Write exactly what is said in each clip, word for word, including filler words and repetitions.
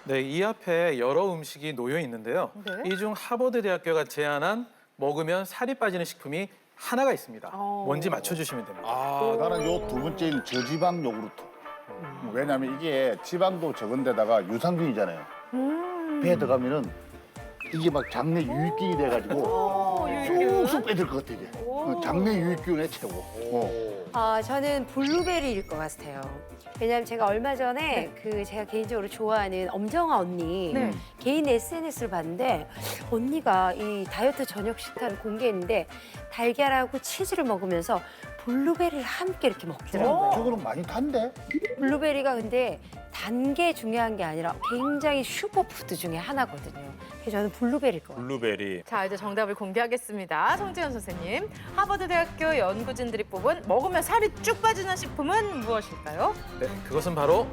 네, 이 앞에 여러 음식이 놓여 있는데요. 네. 이 중 하버드 대학교가 제안한 먹으면 살이 빠지는 식품이 하나가 있습니다. 어. 뭔지 맞춰주시면 됩니다. 아, 나는 요 두 번째인 저지방 요구르트. 왜냐면 이게 지방도 적은데다가 유산균이잖아요. 음. 배에 들어가면은 이게 막 장내 유익균이 돼가지고 쑥쑥 빼들 것 같아 이게. 어, 장내 유익균의 최고. 어. 아, 저는 블루베리일 것 같아요. 왜냐면 제가 얼마 전에 그 제가 개인적으로 좋아하는 엄정화 언니 네. 개인 에스엔에스를 봤는데 언니가 이 다이어트 저녁 식단을 공개했는데 달걀하고 치즈를 먹으면서 블루베리를 함께 이렇게 먹더라고요. 저거는 많이 탄데? 블루베리가 근데 단 게 중요한 게 아니라 굉장히 슈퍼푸드 중에 하나거든요. 그래서 저는 블루베리일 것 같아요. 블루베리. 자, 이제 정답을 공개하겠습니다. 송지현 선생님, 하버드대학교 연구진들이 뽑은 먹으면 살이 쭉 빠지는 식품은 무엇일까요? 네, 그것은 바로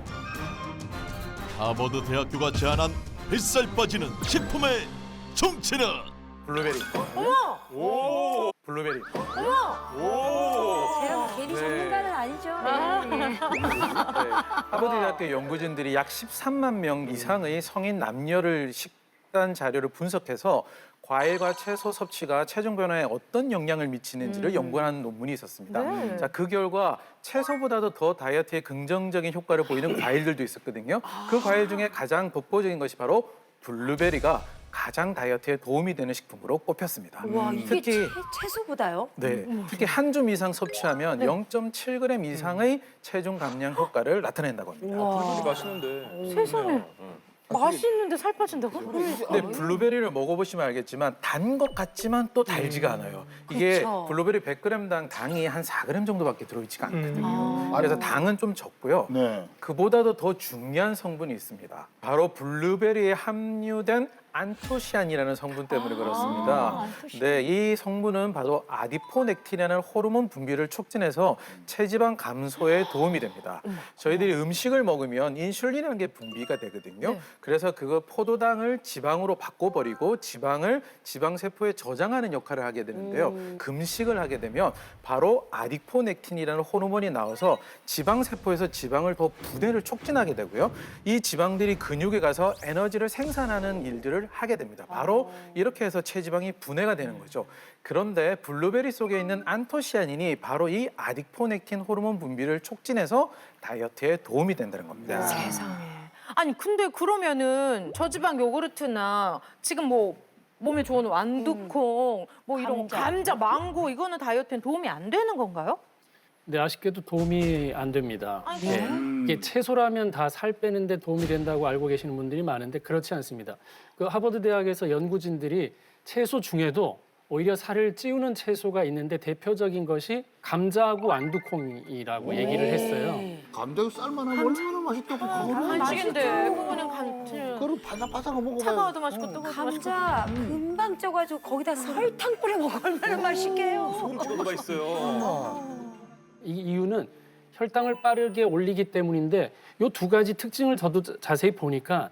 하버드 대학교가 제안한 뱃살 빠지는 식품의 정체는 블루베리. 어머! 오. 블루베리. 어머! 제가 뭐 괜히 네. 전문가는 아니죠. 아. 네. 네, 하버드 대학교 연구진들이 약 십삼만 명 이상의 성인 남녀를 식단 자료를 분석해서 과일과 채소 섭취가 체중 변화에 어떤 영향을 미치는지를 음. 연구한 논문이 있었습니다. 네. 자, 그 결과 채소보다도 더 다이어트에 긍정적인 효과를 보이는 과일들도 있었거든요. 그 과일 중에 가장 독보적인 것이 바로 블루베리가 가장 다이어트에 도움이 되는 식품으로 꼽혔습니다. 와, 이게 특히 채, 채소보다요? 네, 특히 한 줌 이상 섭취하면 네. 영 점 칠 그램 이상의 체중 감량 효과를 나타낸다고 합니다. 블루베리 맛있는데. 세상에. 맛있는데 살 빠진다고? 근데 블루베리를 먹어보시면 알겠지만 단 것 같지만 또 달지가 않아요. 이게 그쵸. 블루베리 백 그램당 당이 한 사 그램 정도밖에 들어있지가 않거든요. 아. 그래서 당은 좀 적고요. 네. 그보다도 더 중요한 성분이 있습니다. 바로 블루베리에 함유된 안토시안이라는 성분 때문에 그렇습니다. 네, 이 성분은 바로 아디포넥틴이라는 호르몬 분비를 촉진해서 체지방 감소에 도움이 됩니다. 저희들이 음식을 먹으면 인슐린이라는 게 분비가 되거든요. 네. 그래서 그거 포도당을 지방으로 바꿔버리고 지방을 지방세포에 저장하는 역할을 하게 되는데요. 금식을 하게 되면 바로 아디포넥틴이라는 호르몬이 나와서 지방세포에서 지방을 더 분해를 촉진하게 되고요. 이 지방들이 근육에 가서 에너지를 생산하는 일들을 하게 됩니다. 바로 이렇게 해서 체지방이 분해가 되는 거죠. 그런데 블루베리 속에 있는 안토시아닌이 바로 이 아디포넥틴 호르몬 분비를 촉진해서 다이어트에 도움이 된다는 겁니다. 세상에. 아니, 근데 그러면은 저지방 요구르트나 지금 뭐 몸에 좋은 완두콩, 뭐 이런 거, 감자. 감자, 망고 이거는 다이어트에 도움이 안 되는 건가요? 네, 아쉽게도 도움이 안 됩니다. 아이고. 예. 이게 채소라면 다 살 빼는데 도움이 된다고 알고 계시는 분들이 많은데 그렇지 않습니다. 그 하버드 대학에서 연구진들이 채소 중에도 오히려 살을 찌우는 채소가 있는데 대표적인 것이 감자하고 완두콩이라고 얘기를 했어요. 감자도 쌀만하면 얼마나 맛있다고 그거를. 간식인데 그거는 간 그걸 바삭바삭하고 먹어봐요. 차가워도 맛있고 뜨거워도 맛있고. 감자 금방 쪄가지고 거기다 설탕 뿌려 먹으면 얼마나 맛있게요. 소금 찍어도 맛있어요. 이 이유는 혈당을 빠르게 올리기 때문인데 이 두 가지 특징을 저도 자- 자세히 보니까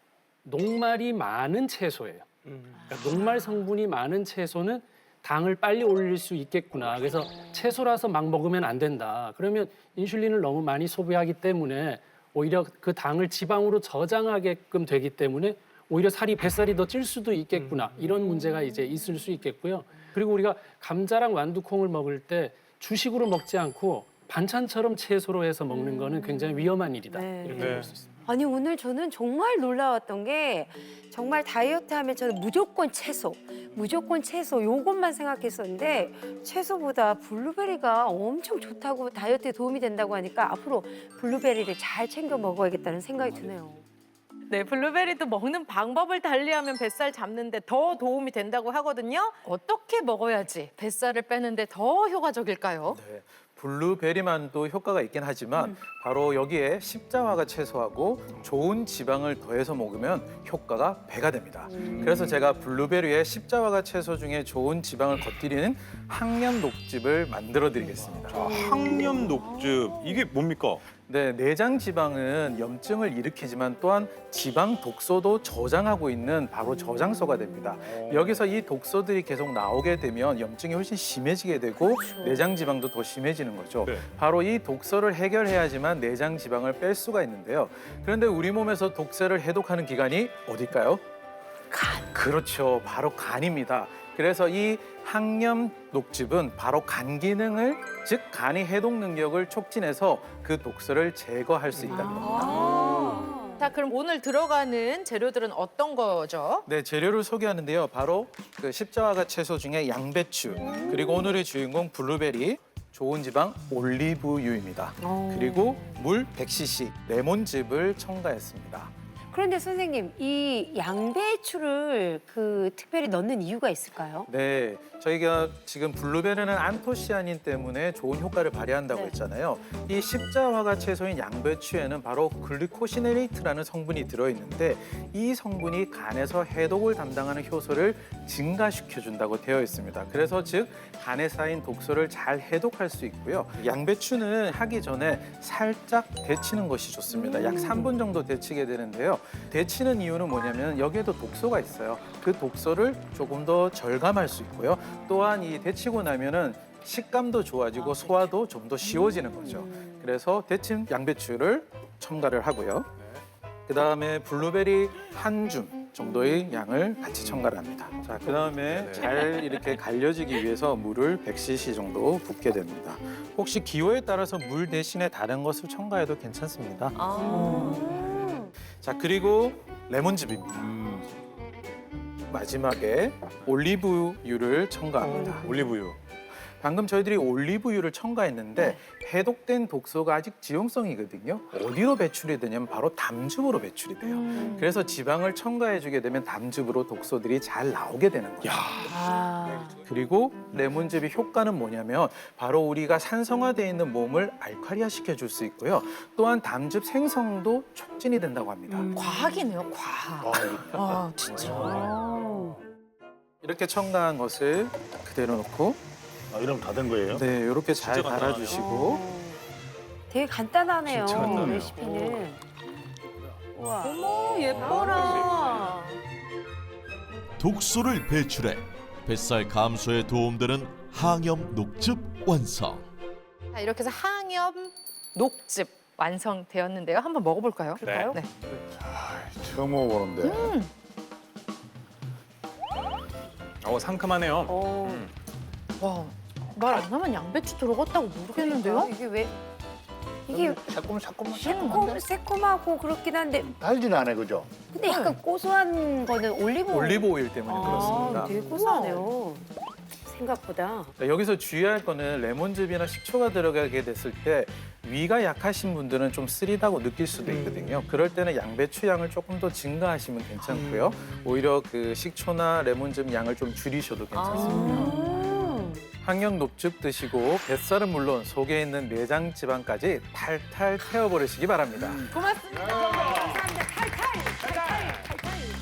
녹말이 많은 채소예요. 그러니까 녹말 성분이 많은 채소는 당을 빨리 올릴 수 있겠구나. 그래서 채소라서 막 먹으면 안 된다. 그러면 인슐린을 너무 많이 소비하기 때문에 오히려 그 당을 지방으로 저장하게끔 되기 때문에 오히려 살이 뱃살이 더 찔 수도 있겠구나. 이런 문제가 이제 있을 수 있겠고요. 그리고 우리가 감자랑 완두콩을 먹을 때 주식으로 먹지 않고 반찬처럼 채소로 해서 먹는 거는 굉장히 위험한 일이다. 네. 이렇게 네. 볼 수 있습니다. 아니 오늘 저는 정말 놀라웠던 게 정말 다이어트 하면 저는 무조건 채소, 무조건 채소 요것만 생각했었는데 채소보다 블루베리가 엄청 좋다고 다이어트에 도움이 된다고 하니까 앞으로 블루베리를 잘 챙겨 먹어야겠다는 생각이 드네요. 네, 블루베리도 먹는 방법을 달리하면 뱃살 잡는데 더 도움이 된다고 하거든요. 어떻게 먹어야지 뱃살을 빼는데 더 효과적일까요? 네, 블루베리만도 효과가 있긴 하지만 바로 여기에 십자화가 채소하고 좋은 지방을 더해서 먹으면 효과가 배가 됩니다. 그래서 제가 블루베리에 십자화가 채소 중에 좋은 지방을 겉들이는 항염 녹즙을 만들어 드리겠습니다. 자, 항염 녹즙. 이게 뭡니까? 네, 내장 지방은 염증을 일으키지만 또한 지방 독소도 저장하고 있는 바로 저장소가 됩니다. 여기서 이 독소들이 계속 나오게 되면 염증이 훨씬 심해지게 되고 내장 지방도 더 심해지는 거죠. 네. 바로 이 독소를 해결해야지만 내장 지방을 뺄 수가 있는데요. 그런데 우리 몸에서 독소를 해독하는 기관이 어딜까요? 간. 그렇죠. 바로 간입니다. 그래서 이 항염 녹즙은 바로 간 기능을, 즉 간이 해독 능력을 촉진해서 그 독소를 제거할 수 있다는 겁니다. 자, 그럼 오늘 들어가는 재료들은 어떤 거죠? 네, 재료를 소개하는데요. 바로 그 십자화가 채소 중에 양배추, 그리고 오늘의 주인공 블루베리, 좋은 지방 올리브유입니다. 그리고 물 백 씨씨, 레몬즙을 첨가했습니다. 그런데 선생님, 이 양배추를 그 특별히 넣는 이유가 있을까요? 네, 저희가 지금 블루베리는 안토시아닌 때문에 좋은 효과를 발휘한다고 네. 했잖아요. 이 십자화가 채소인 양배추에는 바로 글리코시네이트라는 성분이 들어있는데 이 성분이 간에서 해독을 담당하는 효소를 증가시켜준다고 되어 있습니다. 그래서 즉 간에 쌓인 독소를 잘 해독할 수 있고요. 양배추는 하기 전에 살짝 데치는 것이 좋습니다. 약 삼 분 정도 데치게 되는데요. 데치는 이유는 뭐냐면 여기에도 독소가 있어요. 그 독소를 조금 더 절감할 수 있고요. 또한 이 데치고 나면은 식감도 좋아지고 소화도 좀 더 쉬워지는 거죠. 그래서 데친 양배추를 첨가를 하고요. 그다음에 블루베리 한 줌 정도의 양을 같이 첨가를 합니다. 자, 그다음에 잘 이렇게 갈려지기 위해서 물을 백 씨씨 정도 붓게 됩니다. 혹시 기호에 따라서 물 대신에 다른 것을 첨가해도 괜찮습니다. 자, 그리고 레몬즙입니다. 마지막에 올리브유를 첨가합니다. 올리브유. 방금 저희들이 올리브유를 첨가했는데 해독된 독소가 아직 지용성이거든요. 어디로 배출이 되냐면 바로 담즙으로 배출이 돼요. 그래서 지방을 첨가해주게 되면 담즙으로 독소들이 잘 나오게 되는 거예요. 아, 그리고 레몬즙의 효과는 뭐냐면 바로 우리가 산성화되어 있는 몸을 알칼리화 시켜줄 수 있고요. 또한 담즙 생성도 촉진이 된다고 합니다. 과학이네요, 과학. 아, 진짜. 이렇게 첨가한 것을 그대로 놓고 아, 이러면 다 된 거예요? 네, 이렇게 잘 진짜 간단하네요. 갈아주시고 되게 간단하네요, 진짜 간단해요. 레시피는. 우와. 어머, 예뻐라. 독소를 배출해 뱃살 감소에 도움되는 항염 녹즙 완성. 자, 이렇게 해서 항염 녹즙 완성되었는데요. 한번 먹어볼까요? 네. 네. 처음 먹어보는데. 어, 상큼하네요. 어, 와, 말 안 하면 양배추 들어갔다고 모르겠는데요? 이게 왜 이게 새콤 새콤 새콤, 새콤하고 그렇긴 한데 달진 않아, 그죠? 근데 약간 고소한 거는 올리브 올리브 오일 때문에 아, 그렇습니다. 되게 고소하네요. 생각보다. 자, 여기서 주의할 거는 레몬즙이나 식초가 들어가게 됐을 때 위가 약하신 분들은 좀 쓰리다고 느낄 수도 있거든요. 그럴 때는 양배추 양을 조금 더 증가하시면 괜찮고요. 오히려 그 식초나 레몬즙 양을 좀 줄이셔도 괜찮습니다. 아. 항염 녹즙 드시고 뱃살은 물론 속에 있는 내장 지방까지 탈탈 태워버리시기 바랍니다. 고맙습니다. 감사합니다. 탈탈! 탈탈!